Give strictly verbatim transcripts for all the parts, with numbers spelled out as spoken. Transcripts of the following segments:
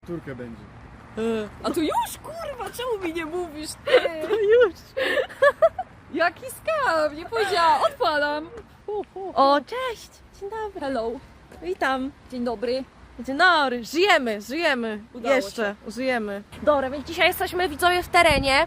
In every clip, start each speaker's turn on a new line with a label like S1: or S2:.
S1: Turkę będzie.
S2: A tu już, kurwa, czemu mi nie mówisz, ty? Już. Jaki skam, nie powiedziała, odpalam.
S3: O, cześć! Dzień dobry.
S2: Hello,
S3: Witam.
S2: dzień dobry.
S3: Dzień dobry. Żyjemy, żyjemy.
S2: Udało
S3: Jeszcze, żyjemy. Dobra, więc dzisiaj jesteśmy widzowie w terenie.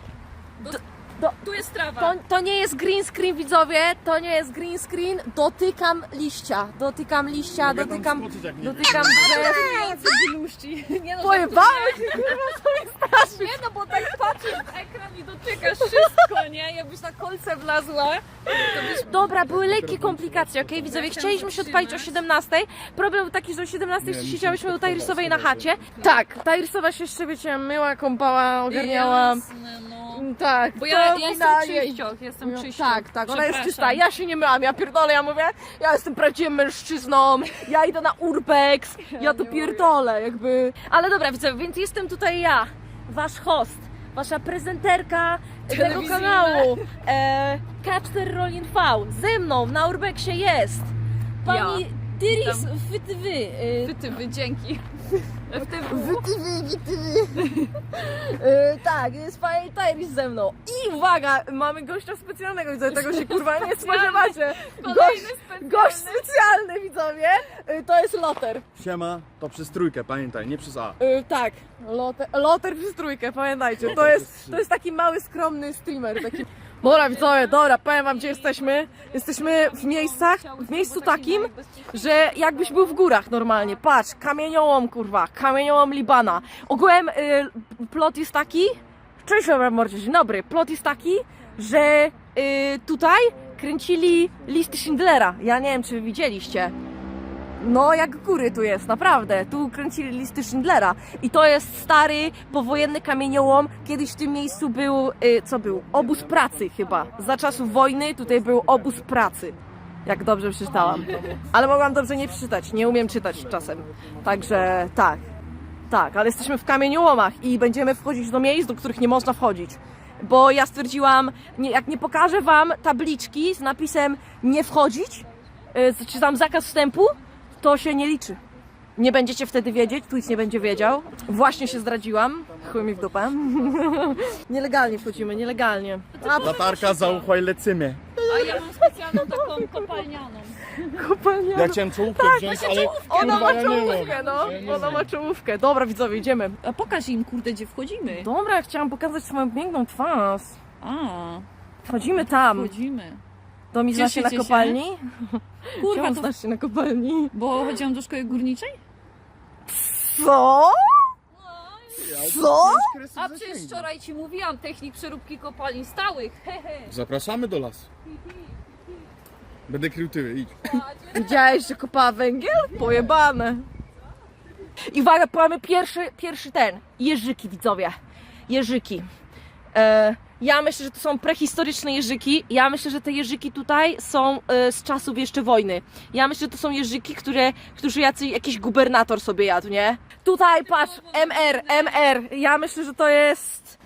S2: Tu jest trawa.
S3: To, to nie jest green screen, widzowie. To nie jest green screen. Dotykam liścia. Dotykam liścia,
S1: Mogę tam
S3: dotykam...
S1: skoczyć, jak nie
S3: Dotykam drzew.
S2: Gluszci. Nie no,
S3: Pojebałeś się, kurwa, co mi straszysz?
S2: nie no, bo tak patrzysz w ekran i dotykasz wszystko, nie? Jakbyś na kolce wlazła, to byś...
S3: Dobra, były lekkie komplikacje, okej? Widzowie, chcieliśmy się odpalić o siedemnastej. Problem był taki, że o siedemnastej
S1: Nie,
S3: siedziałyśmy u
S1: musimy
S3: Tajrysowej na
S1: schować,
S3: chacie. Tak, Tajrysowa się jeszcze, wiecie, myła, kąpała, ogarniała.
S2: Jasne, no.
S3: Tak,
S2: Bo
S3: to
S2: ja, ja jestem
S3: finalnie-
S2: czyścioch, jestem
S3: No,
S2: czyścioch.
S3: tak, tak, ona jest czysta.
S2: Przepraszam.
S3: Ja się nie myłam, ja pierdolę, ja mówię, ja jestem prawdziwym mężczyzną, ja idę na urbex, ja to
S2: nie
S3: pierdolę, jakby. Ale dobra, widzę, więc jestem tutaj ja, wasz host, wasza prezenterka tego
S2: Telewizyjna.
S3: kanału, e, K cztery Rolling V. Ze mną na urbexie jest pani
S2: Ja.
S3: Tyris
S2: Witam.
S3: Fytywy. e,
S2: Ty, ty, wy, dzięki. W tym
S3: Wytywy, wytywy. E, tak, jest pani Tyris ze mną. I uwaga, mamy gościa specjalnego, widzę, tego się kurwa nie spodziewacie. Gość,
S2: kolejny specjalny.
S3: gość specjalny, widzowie. E, to jest Loter.
S1: Siema, to przez trójkę, pamiętaj, nie przez A.
S3: E, tak, Loter, Loter przez trójkę, pamiętajcie. To jest, to jest taki mały, skromny streamer. Taki... Dobra, widzowie, dobra, powiem wam, gdzie jesteśmy. Jesteśmy w miejscach, w miejscu takim, że jakbyś był w górach normalnie. Patrz, kamieniołom, kurwa, kamieniołom Libana. Ogółem y, plot jest taki, cześć, dobra, mordzie, dzień dobry. Plot jest taki, że y, tutaj kręcili listy Schindlera. Ja nie wiem, czy wy widzieliście. No, jak góry tu jest, naprawdę. Tu kręcili listy Schindlera. I to jest stary, powojenny kamieniołom. Kiedyś w tym miejscu był, y, co był? Obóz pracy chyba. Za czasów wojny tutaj był obóz pracy. Jak dobrze przeczytałam. Ale mogłam dobrze nie przeczytać. Nie umiem czytać czasem. Także tak. Tak, ale jesteśmy w kamieniołomach i będziemy wchodzić do miejsc, do których nie można wchodzić. Bo ja stwierdziłam, nie, jak nie pokażę wam tabliczki z napisem nie wchodzić, y, czy tam zakaz wstępu, to się nie liczy. Nie będziecie wtedy wiedzieć, tu nic nie będzie wiedział. Właśnie się zdradziłam. Chuj mi w dupę. Nielegalnie wchodzimy, nielegalnie. A,
S1: Latarka, zauchłaj, lecymy.
S2: A ja mam specjalną taką kopalnianą.
S3: kopalnia.
S1: Ja chciałem czołówkę wziąć, ale
S3: Ona
S1: kurwa,
S3: ma
S1: ja nie mam.
S3: czołówkę, no.
S1: Ja nie
S3: Ona ma
S1: mam.
S3: czołówkę. Dobra, widzowie, idziemy.
S2: A pokaż im, kurde, gdzie wchodzimy.
S3: Dobra, chciałam pokazać swoją piękną twarz.
S2: A,
S3: Wchodzimy tam.
S2: wchodzimy.
S3: To mi znasz się na
S2: Cieszycie się?
S3: kopalni?
S2: Kurwa,
S3: Czemu
S2: to...
S3: znasz się na kopalni?
S2: Bo chodziłam do szkoły górniczej?
S3: Co? Co?
S2: A przecież wczoraj ci mówiłam, technik przeróbki kopalni stałych. Hehe.
S1: Zapraszamy do lasu. Będę krył tyły, idź.
S3: Widziałeś, że kopała węgiel? Pojebane. I uwaga, mamy pierwszy, pierwszy ten. Jeżyki, widzowie. Jeżyki. E, ja myślę, że to są prehistoryczne jeżyki. Ja myślę, że te jeżyki tutaj są e, z czasów jeszcze wojny. Ja myślę, że to są jeżyki, które, którzy jacy, jakiś gubernator sobie jadł, nie? Tutaj, patrz, M R, M R. Ja myślę, że to jest...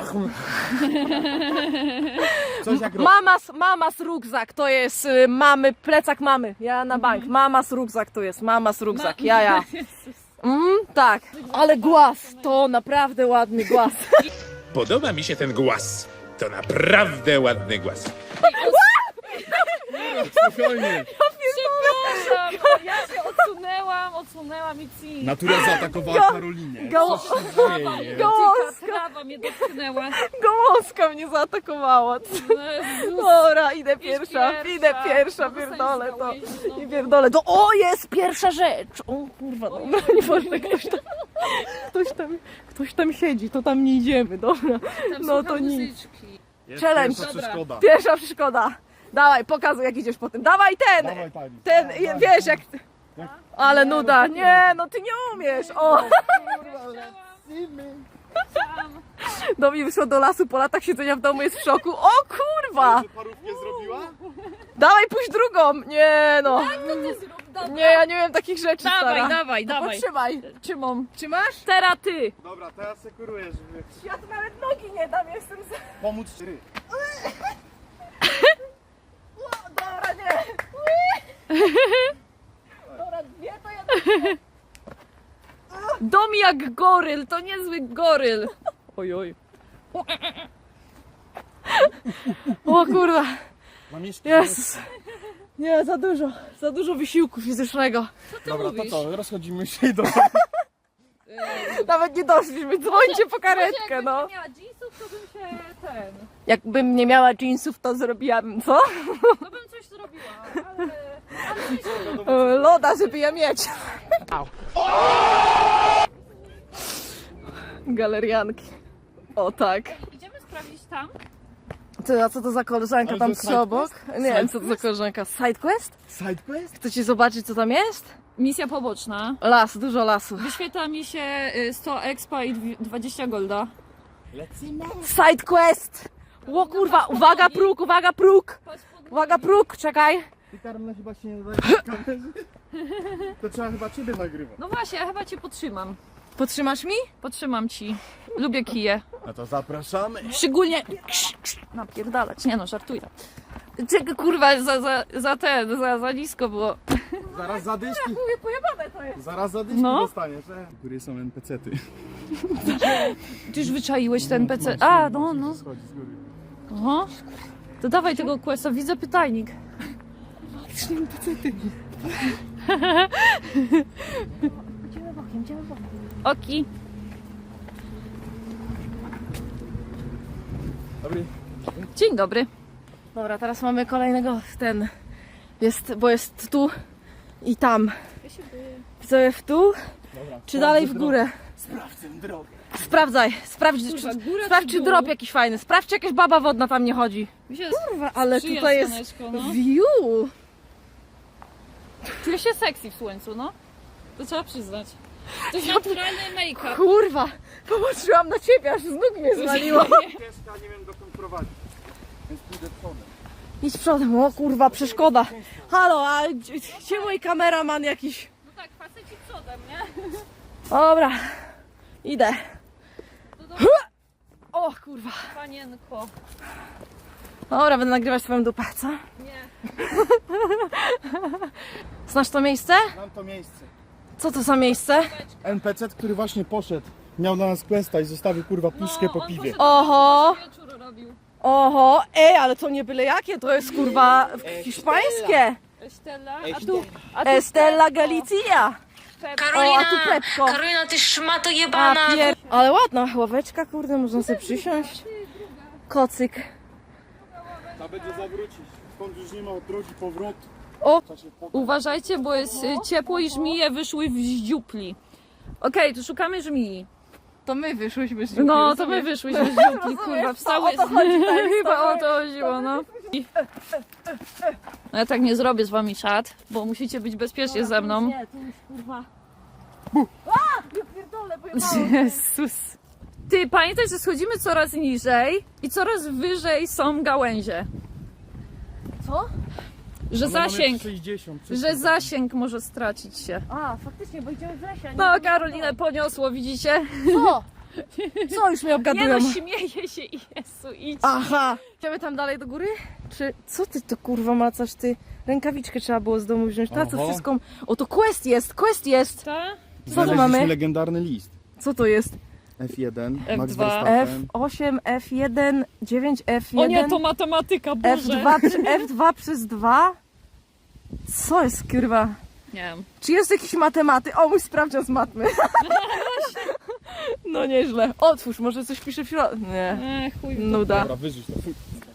S1: Coś jak rok.
S3: Mamas, mamas rukzak, to jest y, mamy, plecak mamy, ja na bank, mamas rukzak to jest, mamas rukzak, ja, ja. Mm, tak, ale głaz, to naprawdę ładny głaz.
S4: Podoba mi się ten głaz. To naprawdę ładny głaz.
S1: Spokojnie.
S2: Przepraszam, ja się odsunęłam, odsunęłam i ci.
S1: Natura zaatakowała Karolinie.
S3: Go-
S1: Co się dzieje?
S3: Gołązka,
S2: Trawa mnie dotknęła.
S3: gołązka mnie zaatakowała.
S2: Jezus.
S3: Dobra, idę pierwsza,
S2: pierwsza.
S3: idę pierwsza,
S2: No,
S3: pierdolę to.
S2: zostań znowu.
S3: I pierdolę to. O, jest pierwsza rzecz! O kurwa, dobra, nie można, ktoś tam, ktoś tam, ktoś tam siedzi, to tam nie idziemy, dobra.
S2: Tam
S3: No
S2: słucham
S3: to nic.
S2: muzyczki.
S1: Jest
S3: Challenge.
S1: pierwsza przeszkoda.
S3: Pierwsza przeszkoda. Dawaj, pokazuj jak idziesz po tym. Dawaj ten!
S1: Dawaj, Tani.
S3: Ten,
S1: Dawaj,
S3: wiesz jak...
S1: Jak-
S3: Ale nuda. Nie, no ty nie umiesz. O! Do mnie wyszło do lasu po latach siedzenia w domu, jest w szoku. O kurwa!
S1: Że parówkę zrobiła?
S3: Dawaj, pójdź drugą. Nie no.
S2: Ty zrób, dobra.
S3: Nie, ja nie wiem takich rzeczy,
S2: Dawaj,
S3: stara.
S2: dawaj, dawaj.
S3: Potrzymaj. Trzymam. Trzymasz? Teraz ty.
S1: Dobra, teraz sekuruję, żeby
S3: Ja tu nawet nogi nie dam, jestem za...
S1: pomóc ry.
S3: O, dobra, nie. Dobra, dwie to jedna.
S2: Dom jak goryl, to niezły goryl. Oj, oj.
S3: O kurwa.
S1: Mam jeszcze...
S3: Jest. Nie, za dużo. Za dużo wysiłku fizycznego.
S1: Dobra,
S2: mówisz?
S1: to co? Rozchodzimy się i do...
S3: Nawet nie doszliśmy. Dzwońcie po karetkę, no.
S2: Jakbym miała jeansów, to bym się ten...
S3: Jakbym nie miała jeansów, to zrobiłabym co?
S2: To bym coś zrobiła, ale...
S3: E, Loda, żeby je mieć. Galerianki. O tak.
S2: Idziemy sprawdzić tam?
S3: Ty, a co to za koleżanka
S1: Ale
S3: tam
S1: to
S3: przy
S1: side
S3: obok? Nie wiem, co to za koleżanka. Sidequest?
S1: Sidequest?
S3: Chcecie zobaczyć, co tam jest?
S2: Misja poboczna.
S3: Las, dużo lasu.
S2: Wyświetla mi się y, sto expa i dwi- dwadzieścia golda.
S1: Lecimy.
S3: Sidequest! O kurwa, uwaga próg, uwaga próg! Uwaga próg, czekaj.
S1: Ty Karolina chyba się nie nadaje na kamerze. To trzeba chyba ciebie nagrywać.
S2: No właśnie, ja chyba cię potrzymam.
S3: Potrzymasz mi?
S2: Potrzymam ci. Lubię kije.
S1: No to zapraszamy.
S2: Szczególnie... Napierdalać. Nie no, żartuję. Czego kurwa za, za, za ten, za, za nisko było.
S1: Zaraz zadyszki.
S3: Mówię, pojebane to jest.
S1: Zaraz zadyszki
S2: No.
S1: dostaniesz. E? W góry są en pe ce ty.
S2: Ty już wyczaiłeś ten P C. A, no, no.
S1: Schodzi z góry.
S2: Aha. To dawaj tego questa, widzę pytajnik. Oki.
S1: Dobry.
S2: Dzień dobry.
S3: Dobra, teraz mamy kolejnego, ten, jest, bo jest tu i tam. Widzowie w tu,
S1: Dobra.
S3: czy dalej w górę?
S1: Sprawdzę drogę.
S3: Sprawdzaj, sprawdź,
S2: Kurwa,
S3: czy,
S2: góra
S3: sprawdź
S2: czy
S3: czy
S2: dół?
S3: drop jakiś fajny, sprawdź czy jakaś baba wodna tam nie chodzi.
S2: Mi się
S3: Kurwa, ale
S2: sprzyja
S3: tutaj jest
S2: słoneczko, no.
S3: view.
S2: Czuję się sexy w słońcu, no. To trzeba przyznać. To jest naturalny make-up.
S3: Kurwa, popatrzyłam na ciebie, aż z nóg mnie zwaliło.
S1: Ścieżka nie wiem dokąd prowadzi. Więc pójdę przodem.
S3: Idź przodem, o kurwa, przeszkoda. Halo, a gdzie gdzie mój kameraman jakiś?
S2: No tak, faceci przodem, nie?
S3: Dobra, idę.
S2: To dobrze,
S3: O kurwa.
S2: panienko.
S3: Dobra, będę nagrywać twoją dupę, co?
S2: Nie.
S3: Znasz to miejsce?
S1: Mam to miejsce.
S3: Co to za miejsce?
S1: en pe ce, który właśnie poszedł. Miał na nas questa i zostawił kurwa puszkę po
S2: on
S1: piwie.
S2: poszedł
S3: Oho.
S2: do wieczór robił.
S3: Oho, ej, ale to nie byle jakie, to jest kurwa hiszpańskie.
S2: Estella, a tu, a tu
S3: Estella
S2: Peppo.
S3: Galicia.
S2: Peppo.
S3: O, a tu Pepko.
S5: Karolina, ty szmato
S3: A
S5: jebana!
S3: pier... Ale ładna ławeczka, kurde, można sobie przysiąść. Kocyk.
S1: Ta będzie zawrócić. Stąd już nie ma drogi powrotu.
S3: O,
S1: Trzeba się po...
S2: Uważajcie, bo jest y, ciepło i żmije wyszły w dziupli. Okej, to szukamy żmii.
S3: to my wyszłyśmy z
S2: No, to my wyszłyśmy z dziupli, kurwa, wstały.
S3: o to chodzi, tak,
S2: Chyba o to chodziło, no. No ja tak nie zrobię z wami czat, bo musicie być bezpiecznie ze mną.
S3: Nie, tu już kurwa. A! Ja pierdolę, pojebało.
S2: Jezus. Ty, pamiętaj, że schodzimy coraz niżej i coraz wyżej są gałęzie.
S3: Co?
S2: Że
S1: Ona ma
S2: zasięg,
S1: metr sześćdziesiąt,
S2: że
S1: wszystko.
S2: zasięg może stracić się.
S3: A, faktycznie, bo idziemy w lesie. a nie
S2: No,
S3: idziemy
S2: Karolinę poniosło, widzicie?
S3: Co? Co już mnie
S2: Nie
S3: obgadują?
S2: no, śmieje się i Jezu, idź.
S3: Aha! Idziemy tam dalej do góry? Czy co ty to kurwa macasz ty? Rękawiczkę trzeba było z domu wziąć. Na co
S1: Oho.
S3: wszystko? O, to quest jest, quest jest!
S2: Ta?
S3: Co tu
S1: Znaleźliśmy
S3: mamy?
S1: legendarny list.
S3: Co to jest?
S1: F jeden,
S2: F
S1: Max
S2: dwa.
S3: F
S1: Verstappen.
S3: osiem, F jeden, dziewięć, F
S2: O nie,
S3: jeden,
S2: to matematyka,
S3: F
S2: Boże.
S3: dwa, przy- F dwa przez dwa? Co jest kurwa?
S2: Nie wiem.
S3: Czy jest jakiś matematy? O, mój sprawdzian z matmy. No nieźle. Otwórz, może coś pisze w środku. Nie.
S2: Ech, chuj.
S3: Nuda.
S1: Dobra, wyrzuć to.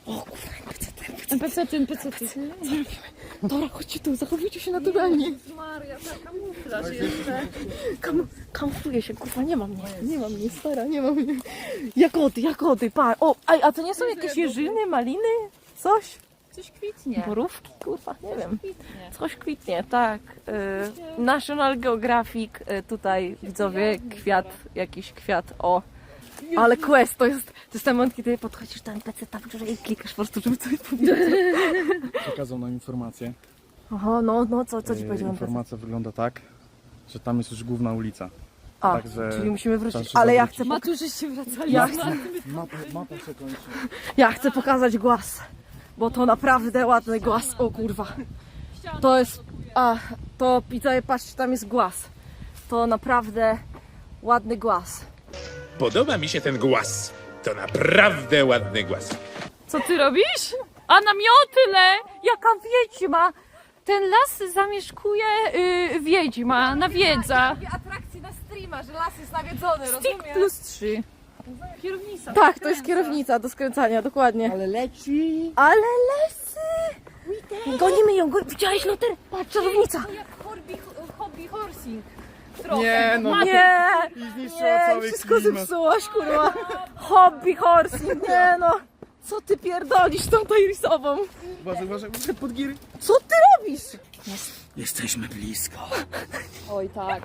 S2: N P C, N P C.
S3: Dobra, chodźcie tu, zachowujcie się naturalnie.
S2: Maria, taka kamuflaż jeszcze.
S3: Kam kamufluję się, kurwa, nie ma mnie. Nie ma mnie, stara, nie ma mnie. Jagody, jagody, pa. O, a, a to nie są jakieś jeżyny, maliny? Coś?
S2: Coś kwitnie.
S3: Borówki, kurwa, nie wiem.
S2: Kwitnie.
S3: Coś kwitnie, tak. Y, National Geographic, y, tutaj widzowie, kwiat, jakiś kwiat, o. Ale quest, to jest, to jest ten moment, kiedy podchodzisz do en pe ce tam i klikasz po prostu, żeby coś powiedzieć.
S1: Przekazał nam informację.
S3: Oho, no, no, co, co ci
S1: E,
S3: powiedział en pe ce?
S1: Informacja wygląda tak, że tam jest już główna ulica.
S3: A,
S1: Także
S3: czyli musimy wrócić,
S1: trzeba się
S3: ale ja
S1: zawrócić.
S3: chcę, pok-
S2: Maturzyście wracali.
S3: Ja
S2: z
S3: chcę.
S2: maty.
S1: Mapa, mapa się kończy.
S3: ja chcę pokazać głaz, bo to naprawdę ładny głaz, o kurwa. To jest, a, to widzowie, patrzcie, tam jest głaz. To naprawdę ładny głaz.
S4: Podoba mi się ten głaz. To naprawdę ładny głaz.
S2: Co ty robisz? A namiotyle! Jaka wiedźma! Ten las zamieszkuje yy, wiedźma, nawiedza.
S3: Robię atrakcję na streama, że las jest nawiedzony,
S2: Stick plus trzy. Kierownica.
S3: Tak, to jest kierownica do skręcania, dokładnie.
S1: Ale leci.
S3: Ale lesy! Gonimy ją, go... widziałeś Loter? Patrz, czarownica!
S2: To jak hobby, hobby horsing.
S1: Nie, no
S3: Nie!
S1: i zniszczyła
S3: Nie,
S1: cały
S3: wszystko
S1: klimat.
S3: zepsułaś, kurwa. Hobby horsing, nie no. Co ty pierdolisz tą Tyrisową?
S1: Uważaj, uważaj, uważaj, pod giry.
S3: Co ty robisz?
S1: Jesteśmy blisko.
S2: Oj tak.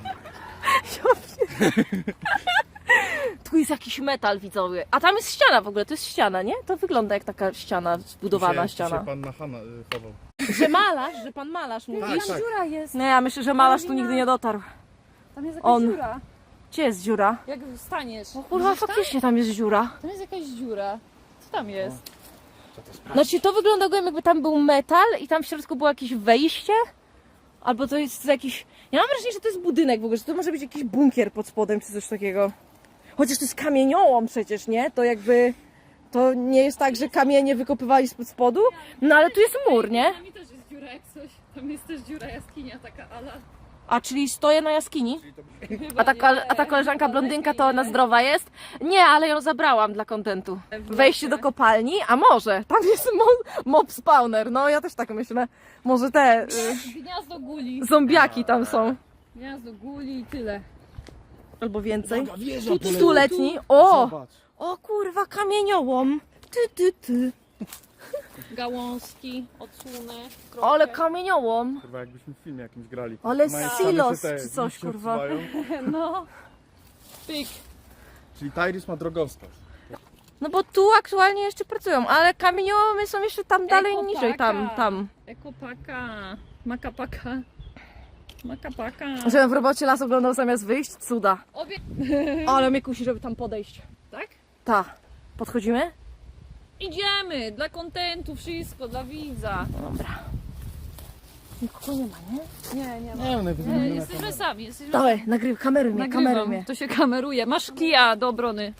S3: Tu jest jakiś metal, widzowie. A tam jest ściana w ogóle, to jest ściana, nie? To wygląda jak taka ściana, zbudowana
S1: Dzisiaj-
S3: ściana.
S1: dzisiaj pan na Hanna y, chował.
S3: Że malarz, że pan malarz mówi.
S1: Tak, tak.
S2: Dziura jest.
S3: Nie, ja myślę, że malarz tu nigdy nie dotarł.
S2: Tam jest jakaś
S3: On.
S2: dziura.
S3: Gdzie jest dziura?
S2: Jak staniesz.
S3: Kurwa, faktycznie tam jest dziura.
S2: Tam jest jakaś dziura. Co tam jest?
S3: Znaczy to wygląda jakby tam był metal i tam w środku było jakieś wejście. Albo to jest jakiś... Ja mam wrażenie, że to jest budynek w ogóle, że to może być jakiś bunkier pod spodem czy coś takiego. Chociaż to jest kamieniołom przecież, nie? To jakby... To nie jest tak, że kamienie wykopywali spod spodu. No ale tu jest mur, nie?
S2: Tam też jest dziura jak coś. Tam jest też dziura jaskinia taka ala.
S3: A czyli stoję na jaskini? A ta, kol- a ta koleżanka blondynka to ona zdrowa jest? Nie, ale ją zabrałam dla kontentu. Wejście do kopalni? A może? Tam jest mo- mob spawner. No ja też tak myślę. Może te y,
S2: Gniazdo guli.
S3: zombiaki tam są.
S2: Gniazdo guli i tyle.
S3: Albo więcej.
S1: Wieża
S3: Stuletni. O!
S1: Zobacz.
S3: O kurwa, kamieniołom. Ty, ty, ty.
S2: Gałązki, odsłony.
S3: Ale kamieniołom.
S1: Kurwa, jakbyśmy w filmie jakimś grali.
S3: Ale
S1: Mają
S3: silos
S1: same te
S3: czy coś,
S1: liście
S3: kurwa.
S1: odsuwają.
S2: No. Pyk.
S1: Czyli Tyris ma drogowskaz.
S3: No bo tu aktualnie jeszcze pracują, ale kamieniołomy są jeszcze tam dalej
S2: Ekopaka.
S3: niżej, tam, tam.
S2: Ekopaka. Makapaka. Makapaka.
S3: Żebym w robocie las oglądał zamiast wyjść, cuda.
S2: Obie...
S3: Ale mnie kusi, żeby tam podejść.
S2: Tak?
S3: Ta. Podchodzimy?
S2: Idziemy! Dla kontentu, wszystko, dla widza.
S3: Dobra. Nikogo nie ma, nie?
S2: Nie, nie ma.
S1: Nie wiem, najwyżej
S2: Nie,
S1: będę na
S2: jesteśmy
S1: kamerę.
S2: sami. Jesteśmy
S3: Dawaj, nagryw, kameruj mnie, kameruj
S2: Nagrywam.
S3: mnie.
S2: To się kameruje. Masz kija do obrony.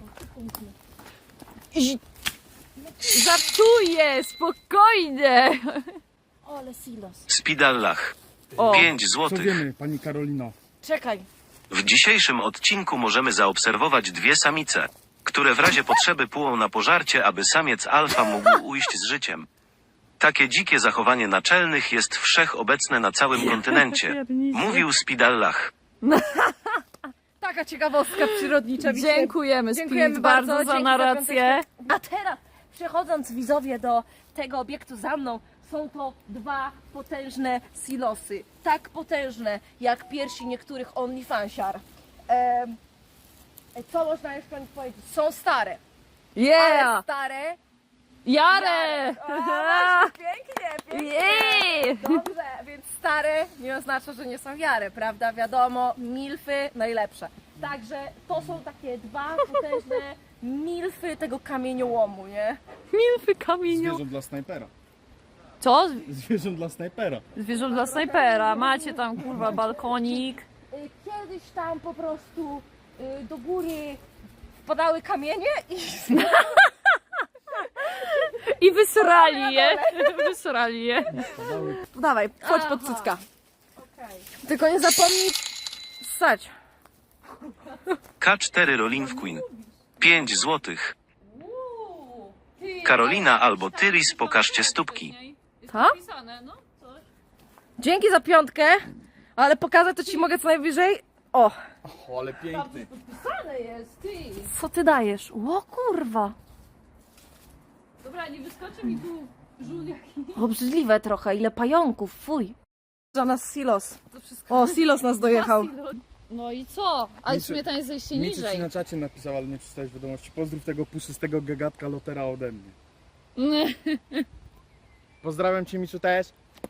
S3: I...
S2: Żartuję! Spokojnie!
S3: Ole silos.
S5: Spidallach.
S2: O.
S5: pięć
S1: Co
S5: złotych.
S1: wiemy, pani Karolino?
S3: Czekaj.
S5: W dzisiejszym odcinku możemy zaobserwować dwie samice, które w razie potrzeby płują na pożarcie, aby samiec alfa mógł ujść z życiem. Takie dzikie zachowanie naczelnych jest wszechobecne na całym kontynencie. Mówił Spidallach.
S3: Taka ciekawostka przyrodnicza. widzicie?
S2: Dziękujemy,
S3: Dziękujemy
S2: Spirit,
S3: bardzo,
S2: bardzo za
S3: dzięki
S2: narrację.
S3: A teraz, przechodząc widzowie do tego obiektu za mną, są to dwa potężne silosy. Tak potężne, jak piersi niektórych OnlyFansiar. Ehm, co można jeszcze o nich powiedzieć? Są stare. Ale
S2: Yeah!
S3: stare.
S2: Jarę!
S3: O, właśnie, pięknie, pięknie.
S2: Jej!
S3: Dobrze, więc stare nie oznacza, że nie są jare, prawda? Wiadomo, milfy najlepsze. Także to są takie dwa potężne milfy tego kamieniołomu, nie?
S2: Milfy kamieniu.
S1: Zwierząt dla snajpera.
S2: Co?
S1: Zwierząt dla snajpera.
S2: Zwierząt dla snajpera. Macie tam kurwa balkonik.
S3: Y, Kiedyś tam po prostu y, do góry wpadały kamienie i
S2: I wysrali je. Wysrali je.
S3: dawaj, wchodź pod cycka. Tylko nie zapomnij ssać.
S5: K cztery Rolling Queen. pięć złotych. Karolina albo Tyris, pokażcie stópki.
S3: Ha?
S2: No,
S3: Dzięki za piątkę, ale pokazać to ci mogę co najwyżej. O,
S1: O, ale piękny.
S2: Podpisane jest, ty.
S3: co ty dajesz? O kurwa.
S2: Dobra, nie wyskoczy mi tu żul jaki.
S3: Obrzydliwe trochę, ile pająków, fuj. Za nas silos.
S2: To wszystko.
S3: O, silos nas dojechał.
S2: No i co? Ale w
S1: Miczy-
S2: sumie tam jest zejście
S1: Miczy ci
S2: niżej.
S1: na czacie napisał, ale nie przeczytałeś wiadomości. Pozdrów tego puszystego gagatka Lotera ode mnie. Pozdrawiam cię, Miczu, też.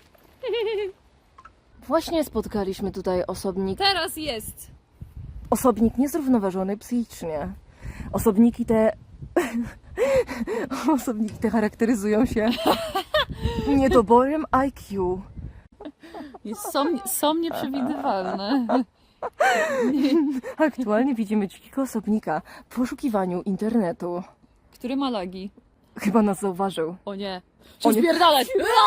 S3: Właśnie spotkaliśmy tutaj osobnik.
S2: Teraz jest.
S3: Osobnik niezrównoważony psychicznie. Osobniki te. Osobniki te charakteryzują się niedoborem I Q.
S2: Jest, są, są nieprzewidywalne.
S3: Aktualnie widzimy dzikiego osobnika w poszukiwaniu internetu.
S2: Który ma lagi?
S3: Chyba nas zauważył.
S2: O nie.
S3: O nie.
S2: Spierdalać!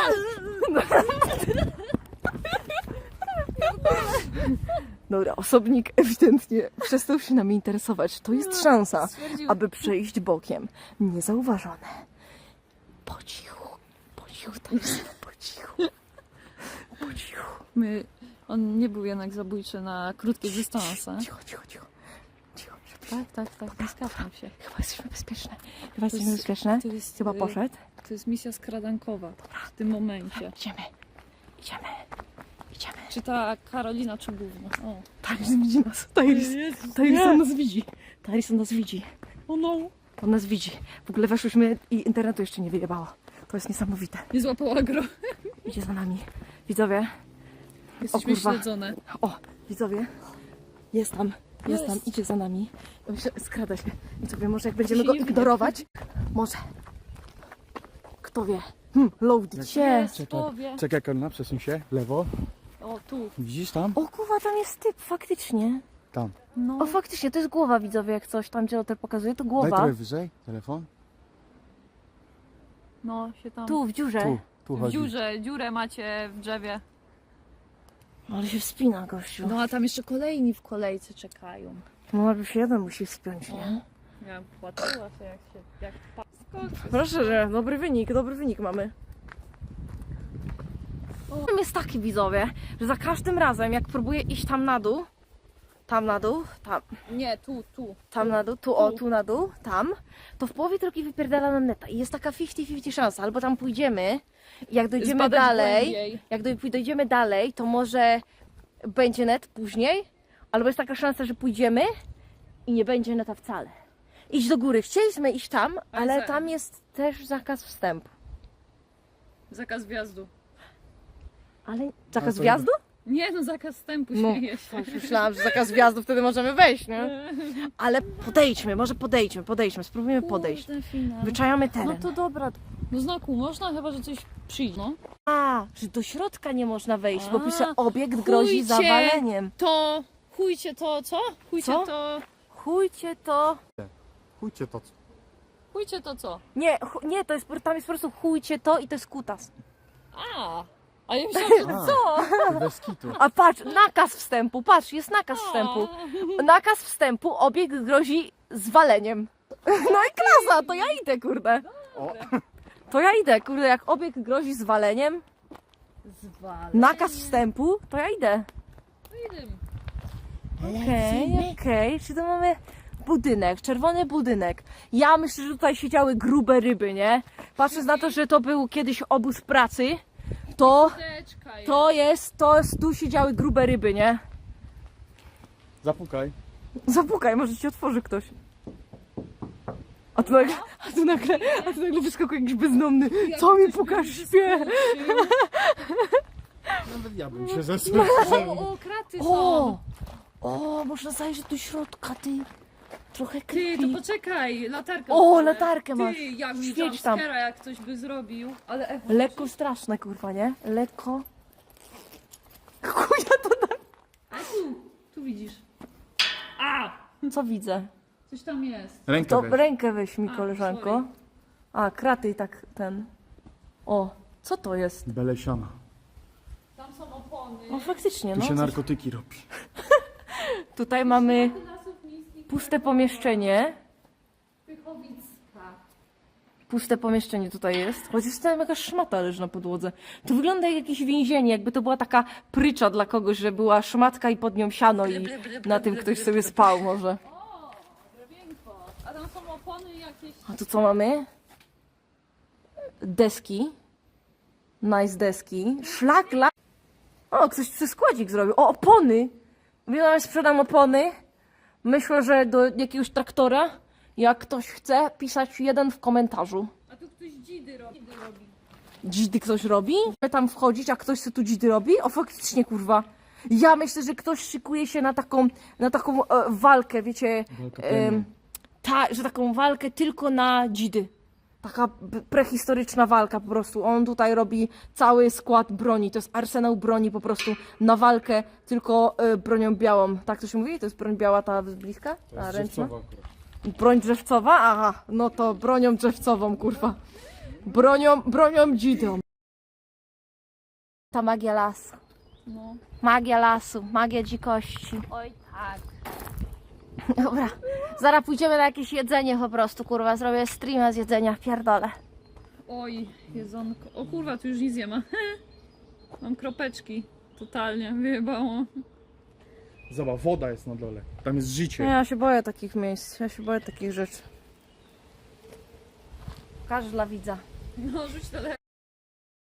S3: Dobra, osobnik ewidentnie przestał się nami interesować. To jest szansa,
S2: Stwierdził-
S3: aby przejść bokiem. Niezauważone. Po cichu, po cichu, Tyson, po cichu. Po cichu.
S2: My... On nie był jednak zabójczy na krótkie dystanse.
S3: Cicho, cicho, cicho. Cicho,
S2: Tak, tak, tak, nie skapnął się.
S3: chyba jesteśmy bezpieczne. Chyba jesteśmy
S2: jest-
S3: bezpieczne.
S2: To jest,
S3: Chyba
S2: y,
S3: poszedł.
S2: To jest misja skradankowa w tym momencie.
S3: Idziemy, idziemy, idziemy.
S2: Czy ta Karolina, czy gówno? O.
S3: Tyson widzi nas. Tyson, Tyson nas widzi. Tyson nas widzi.
S2: O no.
S3: On nas widzi. W ogóle weszłyśmy i internetu jeszcze nie wyjebało. To jest niesamowite.
S2: Nie złapał agro.
S3: Idzie za nami. Widzowie.
S2: Jesteśmy
S3: kurwa.
S2: śledzone.
S3: O, widzowie. Jest tam. Jest,
S2: Jest.
S3: tam. Idzie za nami. Myślę, skrada się. Widzowie, może jak będziemy
S2: się
S3: go
S2: nie widać.
S3: ignorować. Może. Kto wie. Hmm, loaded się.
S2: Jest, powie.
S1: Czekaj, Karolina, przesuń się. W lewo.
S2: O, tu.
S1: Widzisz tam?
S3: O kurwa, tam jest typ, faktycznie.
S1: Tam.
S2: No.
S3: O, faktycznie, to jest głowa, widzowie, jak coś tam, gdzie to pokazuje, to
S1: Daj
S3: głowa.
S1: trochę wyżej. Telefon.
S2: No, się tam...
S3: Tu, w dziurze.
S1: Tu, tu
S2: W
S1: chodzi.
S2: dziurze, dziurę macie w drzewie.
S3: Ale się wspina, gościu.
S2: No, a tam jeszcze kolejni w kolejce czekają.
S3: No, jakby się jeden musi wspiąć, nie?
S2: Ja płaciła się, jak się... Jak pa... Skocz.
S3: Proszę, że dobry wynik, dobry wynik mamy. Problem jest taki, widzowie, że za każdym razem, jak próbuję iść tam na dół, tam na dół, tam,
S2: Nie, tu, tu.
S3: tam na dół, tu o, tu na dół, tam, to w połowie drogi wypierdala nam neta i jest taka pięćdziesiąt pięćdziesiąt szansa, albo tam pójdziemy i jak dojdziemy
S2: Zbadać
S3: dalej,
S2: głębiej.
S3: jak doj- dojdziemy dalej, to może będzie net później, albo jest taka szansa, że pójdziemy i nie będzie neta wcale. Idź do góry, chcieliśmy iść tam,
S2: Ale
S3: ale
S2: za-
S3: tam jest też zakaz wstępu.
S2: Zakaz wjazdu.
S3: Ale zakaz
S1: to-
S3: wjazdu?
S2: Nie, no zakaz wstępu
S3: No,
S2: śmieje się.
S3: tak, myślałam, że zakaz wjazdu, wtedy możemy wejść, nie? Ale podejdźmy, może podejdźmy, podejdźmy, spróbujemy podejść.
S2: Kurde, finał.
S3: Wyczajamy
S2: No
S3: teren.
S2: to dobra. No znaku można, chyba że coś przyjdzie. No.
S3: A, że do środka nie można wejść, bo
S2: A,
S3: pisze obiekt grozi
S2: chujcie.
S3: zawaleniem.
S2: To chujcie to, co? Chujcie
S3: Co?
S2: to.
S3: Chujcie to...
S1: Chujcie to.
S2: Chujcie to co?
S3: Nie, chu... nie, to jest, tam jest po prostu chujcie to i to jest kutas.
S2: A! A ja myślałam, że
S1: A.
S2: co?
S1: Bez kitu.
S3: A patrz, nakaz wstępu, patrz, jest nakaz wstępu. Nakaz wstępu, obiekt grozi zwaleniem. No i klasa, to ja idę, kurde.
S1: O.
S3: To ja idę, kurde, jak obiekt grozi zwaleniem,
S2: Zwal.
S3: nakaz wstępu, to ja idę.
S2: Idę.
S3: Okej, okej, czy to mamy budynek, czerwony budynek. Ja myślę, że tutaj siedziały grube ryby, nie? Patrząc na to, że to był kiedyś obóz pracy, to,
S2: Teczka jest.
S3: to jest, to jest, tu siedziały grube ryby, nie?
S1: Zapukaj.
S3: Zapukaj, może ci otworzy ktoś. A tu nagle, a tu nagle, a tu nagle wyskakuje jakiś bezdomny. Co mi pukasz, śpię?
S1: Nawet ja bym się zesłał.
S2: O, o, kraty są.
S3: O! O, można zajrzeć do środka, ty. Trochę
S2: Ty,
S3: creepy.
S2: to poczekaj, latarkę.
S3: O,
S2: odpalę.
S3: latarkę
S2: Ty,
S3: masz.
S2: jak mi
S3: Świeć tam.
S2: jumpscare'a, jak ktoś by zrobił. Ale Ewa,
S3: Lekko straszne, kurwa, nie? Lekko. Chuja to da...
S2: tu widzisz. A!
S3: Co widzę?
S2: Coś tam jest.
S1: Rękę
S3: To
S1: weź.
S3: rękę weź mi,
S2: A,
S3: koleżanko.
S2: sorry.
S3: A, kraty i tak ten. O, co to jest?
S1: Belesiana.
S2: Tam są opony.
S3: O, faktycznie,
S1: Tu
S3: no.
S1: się
S3: coś-
S1: narkotyki robi.
S3: Tutaj mamy puste pomieszczenie.
S2: Pychowicka.
S3: Puste pomieszczenie tutaj jest. Chociaż tam jakaś szmata leży na podłodze. To wygląda jak jakieś więzienie, jakby to była taka prycza dla kogoś, że była szmatka i pod nią siano i na tym ktoś sobie spał może.
S2: O, drewienko. A tam są opony jakieś.
S3: A tu co mamy? Deski. Nice deski. Szlak, la... O, ktoś tu składzik zrobił. O, opony! Wiem, sprzedam opony. Myślę, że do jakiegoś traktora. Jak ktoś chce, pisać jeden w komentarzu.
S2: A tu ktoś dzidy robi. Dzidy robi.
S3: Dzidy ktoś robi? Tam wchodzić, a ktoś co tu dzidy robi? O, faktycznie, kurwa. Ja myślę, że ktoś szykuje się na taką, na taką e, walkę, wiecie.
S1: Walka
S3: em,
S1: pełna.
S3: ta, że taką walkę tylko na dzidy. taka b- prehistoryczna walka po prostu. On tutaj robi cały skład broni, to jest arsenał broni po prostu na walkę, tylko y, bronią białą. Tak to się mówi? To jest broń biała ta z bliska? Ta ręczna? Broń drzewcowa? Aha, no to bronią drzewcową, kurwa. Bronią, bronią dzidą. Ta magia lasu.
S2: No.
S3: Magia lasu, magia dzikości.
S2: Oj tak.
S3: Dobra, zaraz pójdziemy na jakieś jedzenie po prostu, kurwa, zrobię streama z jedzenia, pierdolę.
S2: Oj, jedzonko. O kurwa, tu już nic nie ma. Mam kropeczki. Totalnie, wyjebało.
S1: Zobacz, woda jest na dole. Tam jest życie.
S3: Ja się boję takich miejsc, ja się boję takich rzeczy. Pokaż dla widza.
S2: No, rzuć telefon.